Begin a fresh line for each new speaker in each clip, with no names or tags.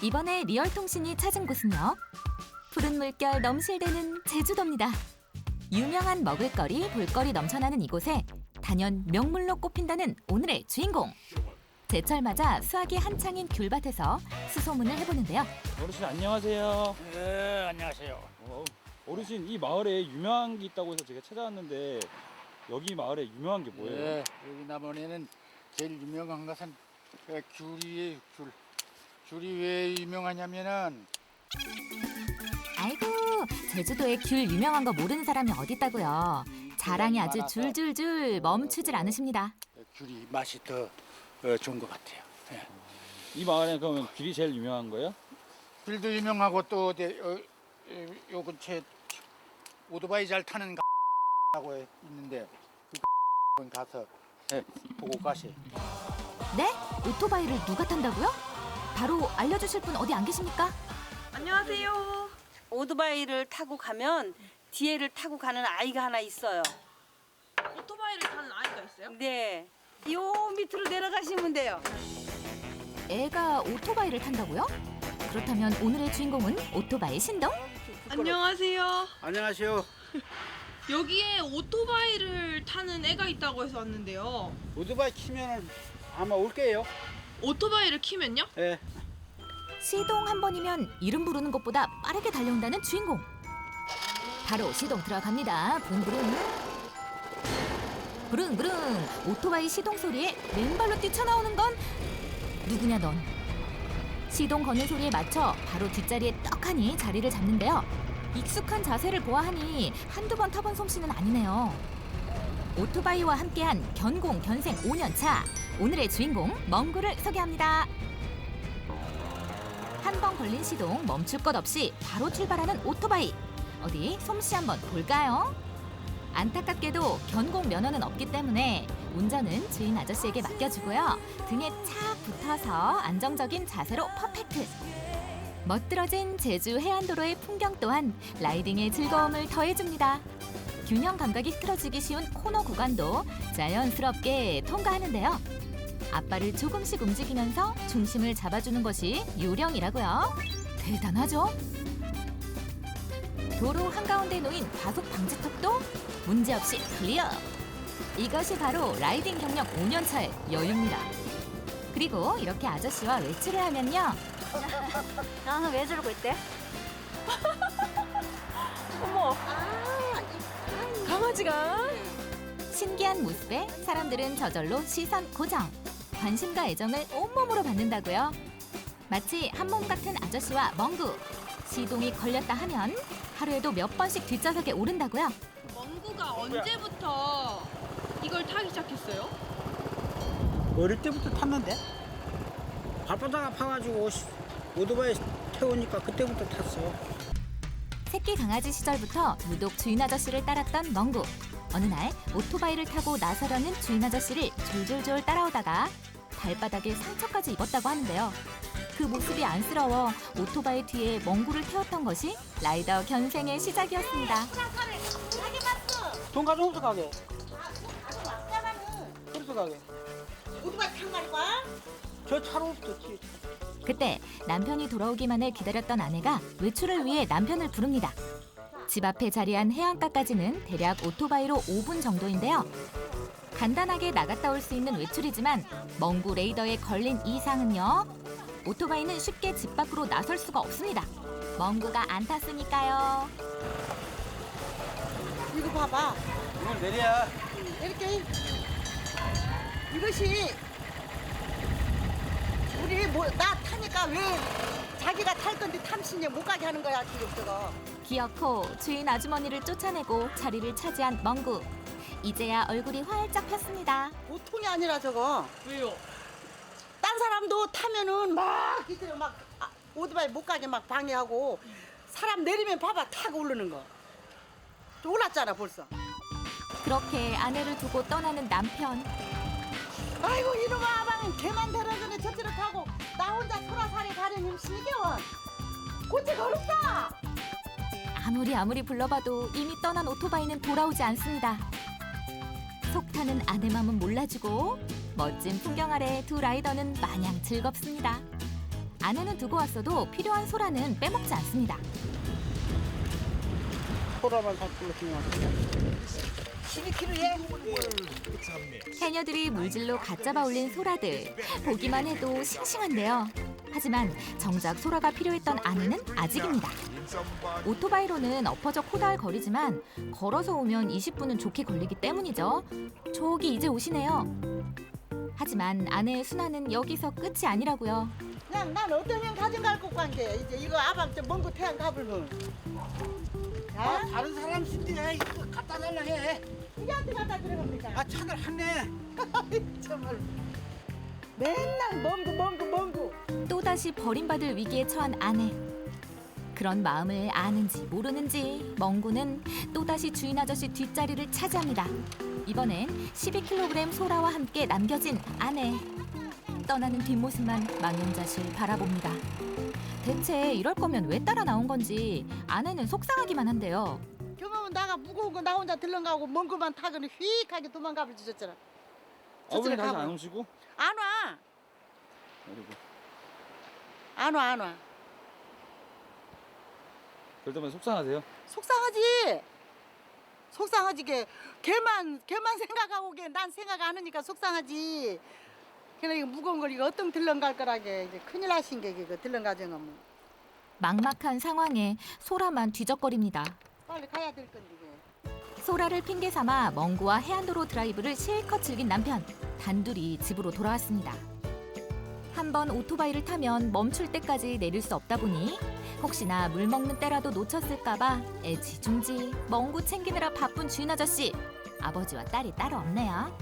이번에 리얼통신이 찾은 곳은요. 푸른 물결 넘실대는 제주도입니다. 유명한 먹을거리, 볼거리 넘쳐나는 이곳에 단연 명물로 꼽힌다는 오늘의 주인공. 제철 맞아 수확이 한창인 귤밭에서 수소문을 해보는데요.
어르신 안녕하세요.
네, 안녕하세요.
어르신 이 마을에 유명한 게 있다고 해서 제가 찾아왔는데 여기 마을에 유명한 게 뭐예요?
네, 여기 남원에는 제일 유명한 것은 귤이에요, 귤. 귤이 왜 유명하냐면은
아이고, 제주도에 귤 유명한 거 모르는 사람이 어딨다고요. 자랑이 아주 줄줄줄 멈추질 않으십니다.
귤이 맛이 더 좋은 것 같아요. 네.
이 마을에 그러면 귤이 제일 유명한 거예요?
귤도 유명하고 또 요 근처에 오토바이 잘 타는 하고 있는데 그 가서 보고 가세요.
네? 오토바이를 누가 탄다고요? 바로 알려주실 분 어디 안 계십니까?
안녕하세요.
오토바이를 타고 가면 뒤에를 타고 가는 아이가 하나 있어요.
오토바이를 타는 아이가 있어요?
네. 요 밑으로 내려가시면 돼요.
애가 오토바이를 탄다고요? 그렇다면 오늘의 주인공은 오토바이 신동?
안녕하세요.
안녕하세요.
여기에 오토바이를 타는 애가 있다고 해서 왔는데요.
오토바이 키면은 아마 올게요.
오토바이를 키면요?
네.
시동 한 번이면 이름 부르는 것보다 빠르게 달려온다는 주인공. 바로 시동 들어갑니다. 부릉부릉. 부릉부릉. 오토바이 시동 소리에 맨발로 뛰쳐나오는 건 누구냐 넌. 시동 거는 소리에 맞춰 바로 뒷자리에 떡하니 자리를 잡는데요. 익숙한 자세를 보아하니 한두 번 타본 솜씨는 아니네요. 오토바이와 함께한 견공 견생 5년 차. 오늘의 주인공 멍구를 소개합니다. 한 번 걸린 시동 멈출 것 없이 바로 출발하는 오토바이. 어디 솜씨 한번 볼까요? 안타깝게도 견공 면허는 없기 때문에 운전은 주인 아저씨에게 맡겨주고요. 등에 착 붙어서 안정적인 자세로 퍼펙트. 멋들어진 제주 해안도로의 풍경 또한 라이딩의 즐거움을 더해줍니다. 균형 감각이 흐트러지기 쉬운 코너 구간도 자연스럽게 통과하는데요. 앞발을 조금씩 움직이면서 중심을 잡아주는 것이 요령이라고요. 대단하죠? 도로 한가운데 놓인 과속 방지턱도 문제없이 클리어. 이것이 바로 라이딩 경력 5년 차의 여유입니다. 그리고 이렇게 아저씨와 외출을 하면요.
나는 왜 저러고 있대?
어머. 강아지가?
신기한 모습에 사람들은 저절로 시선 고정. 관심과 애정을 온몸으로 받는다고요. 마치 한 몸 같은 아저씨와 멍구. 시동이 걸렸다 하면 하루에도 몇 번씩 뒷좌석에 오른다고요.
멍구가 언제부터 이걸 타기 시작했어요?
어릴 때부터 탔는데 발바닥 아파가지고 오토바이 태우니까 그때부터 탔어.
새끼 강아지 시절부터 유독 주인 아저씨를 따랐던 멍구. 어느 날 오토바이를 타고 나서려는 주인 아저씨를 졸졸졸 따라오다가 발바닥에 상처까지 입었다고 하는데요. 그 모습이 안쓰러워 오토바이 뒤에 멍구를 태웠던 것이 라이더 견생의 시작이었습니다.
돈 가져오면서 가게. 그래서 가게.
오토바이 탄 말이야?
저 차로 없었지.
그때 남편이 돌아오기만을 기다렸던 아내가 외출을 위해 남편을 부릅니다. 집 앞에 자리한 해안가까지는 대략 오토바이로 5분 정도인데요. 간단하게 나갔다 올 수 있는 외출이지만 멍구 레이더에 걸린 이상은요. 오토바이는 쉽게 집 밖으로 나설 수가 없습니다. 멍구가 안 탔으니까요.
이거 봐봐.
이건 내려야.
이렇게 이것이 우리 나 타니까 왜 자기가 탈 건데 탐신이 못 가게 하는 거야 지금 저거.
기어코 주인 아주머니를 쫓아내고 자리를 차지한 멍구. 이제야 얼굴이 활짝 폈습니다.
보통이 아니라 저거.
왜요?
딴 사람도 타면은 막 이들은 막 오토바이 못 가게 막 방해하고 사람 내리면 봐봐 타고 오르는 거. 또 올랐잖아 벌써.
그렇게 아내를 두고 떠나는 남편.
아이고 이놈아 방 걔만 데려주네 저쪽으로 타고 나 혼자 소라살이 가려면 시계원. 고치가 어렵다.
아무리 불러봐도 이미 떠난 오토바이는 돌아오지 않습니다. 속 타는 아내 맘은 몰라주고 멋진 풍경 아래 두 라이더는 마냥 즐겁습니다. 아내는 두고 왔어도 필요한 소라는 빼먹지 않습니다.
소라만 샀길래 그냥 왔어.
12kg에
해녀들이 물질로 갓 잡아 올린 소라들. 보기만 해도 싱싱한데요. 하지만 정작 소라가 필요했던 아내는 아직입니다. 오토바이로는 엎어져 코다할 거리지만 걸어서 오면 20분은 좋게 걸리기 때문이죠. 저기 이제 오시네요. 하지만 아내의 순환은 여기서 끝이 아니라고요.
그냥 난 어떠면 가져갈 것 관계. 이제 이거 아밤 좀 먼거 태양 가불면. 자,
다른 사람 신데 이거 갖다 달라 해.
이한테 갖다 들어갑니까?
아 차들 하네.
정말 맨날 멍구.
또다시 버림받을 위기에 처한 아내. 그런 마음을 아는지 모르는지 멍구는 또다시 주인 아저씨 뒷자리를 차지합니다. 이번엔 12kg 소라와 함께 남겨진 아내. 떠나는 뒷모습만 망연자실 바라봅니다. 대체 이럴 거면 왜 따라 나온 건지 아내는 속상하기만 한데요.
경험은 나가 무거운 거 나 혼자 들렁가고 먼 거만 타고는 휙하게 도망가버리 주셨잖아.
아버님 다시 안 오시고?
안 와.
그리고
안 와.
그럴 때마다 속상하세요?
속상하지. 걔만 생각하고 난 생각 안 하니까 속상하지. 그래 이거 무거운 걸 이거 어떤 들렁갈 거라게 이제 큰일 나신 게 이거 들렁가정은 뭐.
막막한 상황에 소라만 뒤적거립니다.
빨리 가야 될 건데 이게.
소라를 핑계 삼아 멍구와 해안도로 드라이브를 실컷 즐긴 남편. 단둘이 집으로 돌아왔습니다. 한번 오토바이를 타면 멈출 때까지 내릴 수 없다 보니 혹시나 물 먹는 때라도 놓쳤을까봐 애지중지 멍구 챙기느라 바쁜 주인 아저씨. 아버지와 딸이 따로 없네요.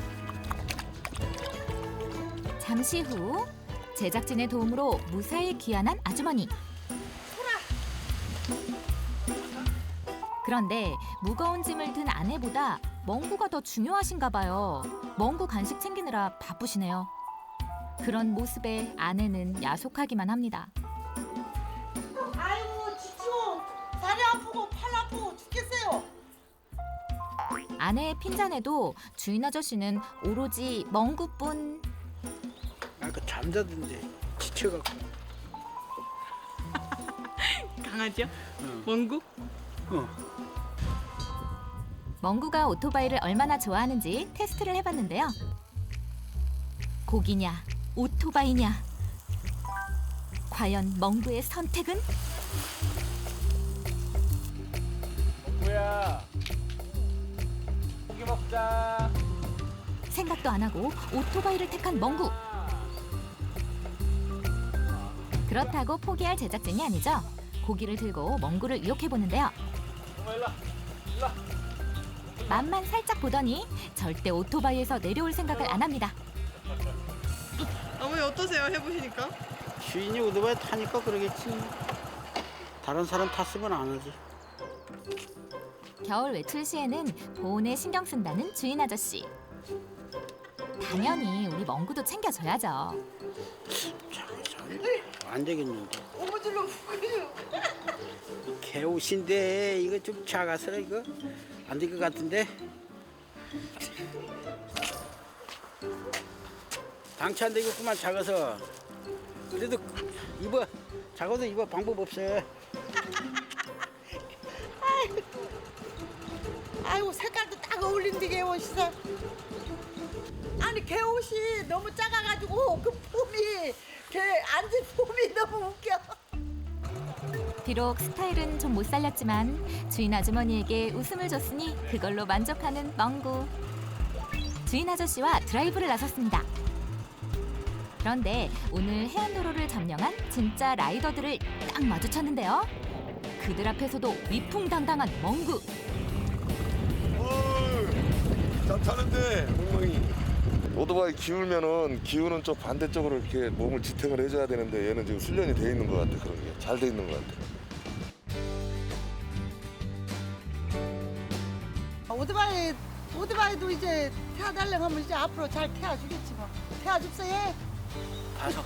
잠시 후 제작진의 도움으로 무사히 귀환한 아주머니. 그런데 무거운 짐을 든 아내보다 멍구가 더 중요하신가 봐요. 멍구 간식 챙기느라 바쁘시네요. 그런 모습에 아내는 야속하기만 합니다.
아이고 지치고 다리 아프고 팔 아프고 죽겠어요.
아내의 핀잔에도 주인 아저씨는 오로지 멍구뿐.
아까 잠자던데 지쳐갖고.
강아지요?
응.
멍구?
멍구가 오토바이를 얼마나 좋아하는지 테스트를 해봤는데요. 고기냐, 오토바이냐. 과연 멍구의 선택은?
뭐야? 고기 먹자.
생각도 안 하고 오토바이를 택한 멍구. 그렇다고 포기할 제작진이 아니죠. 고기를 들고 멍구를 유혹해보는데요. 맛만 살짝 보더니 절대 오토바이에서 내려올 생각을 안 합니다.
어머니 어떠세요? 해보시니까?
주인이 오토바이 타니까 그러겠지. 다른 사람 탔으면 안 하지.
겨울 외출 시에는 보온에 신경 쓴다는 주인 아저씨. 당연히 우리 멍구도 챙겨줘야죠.
안 되겠는데.
오무질로 후그려.
개옷인데 이거 좀 작아서 이거 안 될 것 같은데. 방치 안 되겠구만 작아서. 그래도 입어. 작아도 입어 방법 없어.
아이고 색깔도 딱 어울린데 개옷 시설. 아니 개옷이 너무 작아가지고 그 폼이 걔 앉은 폼이 너무 웃겨.
비록 스타일은 좀 못 살렸지만 주인 아주머니에게 웃음을 줬으니 그걸로 만족하는 멍구. 주인 아저씨와 드라이브를 나섰습니다. 그런데 오늘 해안도로를 점령한 진짜 라이더들을 딱 마주쳤는데요. 그들 앞에서도 위풍당당한 멍구.
잘 타는데 엉망이. 오토바이 기울면은 기우는 좀 반대쪽으로 이렇게 몸을 지탱을 해줘야 되는데 얘는 지금 훈련이 돼 있는 것 같아. 그런 게 잘 돼 있는 것 같아.
오토바이도 이제 태워달라고 하면 이제 앞으로 잘 태워주겠지 뭐. 태워줍소 얘.
가서.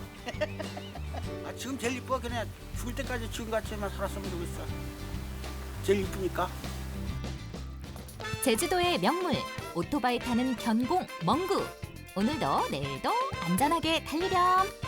아 지금 제일 이뻐. 그냥 죽을 때까지 지금같이만 살았으면 좋겠어. 제일 이쁘니까.
제주도의 명물 오토바이 타는 견공 멍구. 오늘도 내일도 안전하게 달리렴.